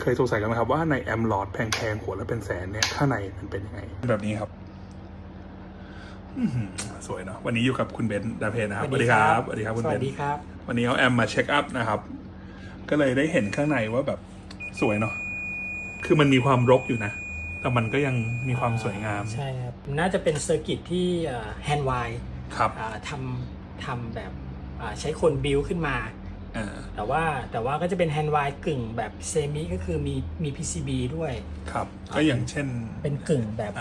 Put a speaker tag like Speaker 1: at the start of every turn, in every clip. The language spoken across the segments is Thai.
Speaker 1: เคยสงสัยกันไหมครับว่าในแอมหลอดแพงๆหัวละเป็นแสนเนี่ยข้างในมันเป็นยังไงแบบนี้ครับสวยเนาะวันนี้อยู่กับคุณเบนซ์ดาเพนนะครับสวัสดีครับสวัสดีครับคุณเบนซ์
Speaker 2: สวัสดีครับ
Speaker 1: วันนี้เอาแอมมาเช็คอัพนะครับก็เลยได้เห็นข้างในว่าแบบสวยเนาะคือมันมีความรกอยู่นะแต่มันก็ยังมีความสวยงาม
Speaker 2: ใช่ครับน่าจะเป็นเซอร์กิตที่แฮนด์ไวด์
Speaker 1: ครับ
Speaker 2: ทำแบบใช้คนบิลขึ้นมาแต่ว่าก็จะเป็นแฮนด์ไวด์กึ่งแบบเซมิก็คือมี PCB ด้วย
Speaker 1: ครับก็อย่างเช่น
Speaker 2: เป็นกึ่งแบบ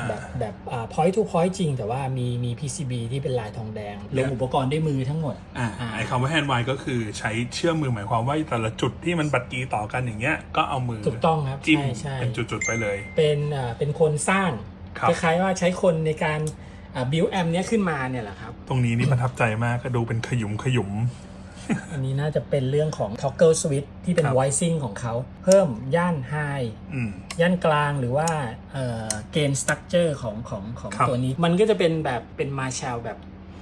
Speaker 2: point to point จริงแต่ว่ามี PCB ที่เป็นลายทองแดงลงอุปกรณ์ด้วยมือทั้งหมด
Speaker 1: ไอคำว่าแฮนด์ไวด์ก็คือใช้เชื่อมมือหมายความว่าแต่ละจุดที่มันบัดกี้ต่อกันอย่างเงี้ยก็เอามือ
Speaker 2: ถูกต้องครับ
Speaker 1: จิ้มเป็นจุดๆไปเลย
Speaker 2: เป็นคนสร้างคล้ายๆว่าใช้คนในการบิลแอมเนี้ยขึ้นมาเนี่ยแหละครับ
Speaker 1: ตรงนี้นี่ประทับใจมากก็ดูเป็นขยุม
Speaker 2: อันนี้น่าจะเป็นเรื่องของ toggle switch ที่เป็น voicing ของเขาเพิ่มย่าน high ย่านกลางหรือว่าgain structure ของตัวนี้มันก็จะเป็นแบบเป็น Marshall แบบ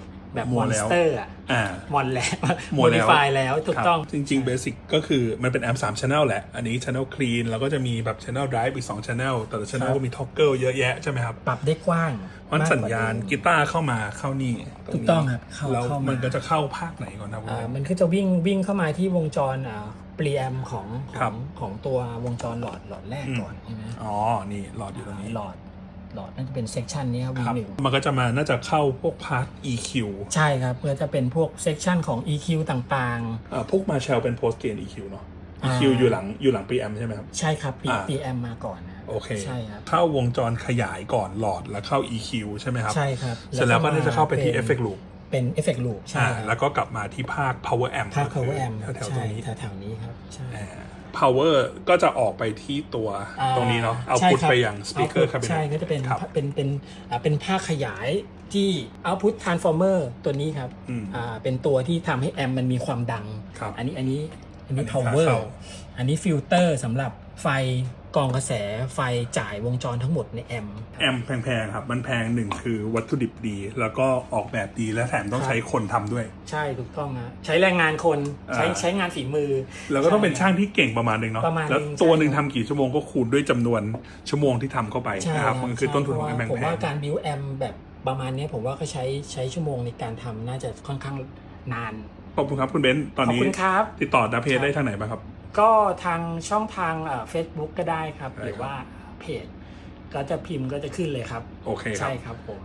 Speaker 2: monster มอนแล้ว modify แล้วถูกต้อง
Speaker 1: จริงๆ basic ก็คือมันเป็นแอมป์3 channel แหละอันนี้ channel clean แล้วก็จะมีแบบ channel drive อีก2 channel แต่ละ channel ก็มี toggle เยอะแยะใช่ไหมครับ
Speaker 2: ปรับได้กว้าง
Speaker 1: วันสัญญาณกีตาร์เข้ามาเข้านี่
Speaker 2: ถูกต้องครับ
Speaker 1: แล้วมันก็จะเข้าภาคไหนก่อนนะ
Speaker 2: มันก็จะวิ่งเข้ามาที่วงจรpreamp ของตัววงจรหลอดแรกก่อนใช่ไหม
Speaker 1: อ๋อนี่หลอดอยู่ตรงนี้
Speaker 2: หลอดน่าจะเป็นเซกชันนี้ครับ V1
Speaker 1: มันก็จะมาน่าจะเข้าพวกพาร์ท EQ
Speaker 2: ใช่ครับเพื่อจะเป็นพวกเซกชันของ EQ ต่าง
Speaker 1: ๆพวก Marshall เป็น post gain EQ เนาะ EQ อยู่หลัง preamp ใช่ไหมครับ
Speaker 2: ใช่ครับ preamp มาก่อนนะ
Speaker 1: โอเค
Speaker 2: ใช่ครับ
Speaker 1: เข้าวงจรขยายก่อนหลอดแล้วเข้า EQ ใช่ไหมครับ
Speaker 2: ใช่ครับ
Speaker 1: เสร็จแล้วก็จะเข้าไปที่ effect loop
Speaker 2: เป็น effect loop ใช่
Speaker 1: แล้วก็กลับมาที่ภาค power amp
Speaker 2: ภาค power amp
Speaker 1: แถวๆตรงนี้
Speaker 2: แถวนี้ครับใช่
Speaker 1: power ก็จะออกไปที่ตัวตรงนี้เนาะเอาพุทไปอย่าง speaker cabinet
Speaker 2: ใช่ก็จะเป็นภาคขยายที่ output transformer ตัวนี้ครับเป็นตัวที่ทำให้แอมมันมีความดังอันนี้ power อันนี้ฟิลเตอร์สำหรับไฟกรองกระแสไฟจ่ายวงจรทั้งหมดในแอม
Speaker 1: แพงๆครับมันแพงหนึ่งคือวัตถุดิบดีแล้วก็ออกแบบดีและแถมต้องใช้คนทำด้วย
Speaker 2: ใช่ถูกต้องนะใช้แรงงานคนใช้งานฝีมือ
Speaker 1: แล้วก็ต้องเป็นช่างที่เก่งประมาณนึงเนาะแล้วตัวหนึ่งทำกี่ชั่วโมงก็คูณด้วยจำนวนชั่วโมงที่ทำเข้าไปนะครับมันคือต้นทุนของแพงๆ
Speaker 2: ผมว่าการบิวแอมแบบประมาณนี้ผมว่าก็ใช้ชั่วโมงในการทำน่าจะค่อนข้างนาน
Speaker 1: ขอบคุณครับคุณเบนซ์ตอนนี้ติดต่อดาเพจได้ทางไหนบ้างครับ
Speaker 2: ก็ทางช่องทางFacebook ก็ได้ครับหรือว่าเพจก็จะพิมพ์ก็จะขึ้นเลยครับ
Speaker 1: โอเค
Speaker 2: ใช่ครับผม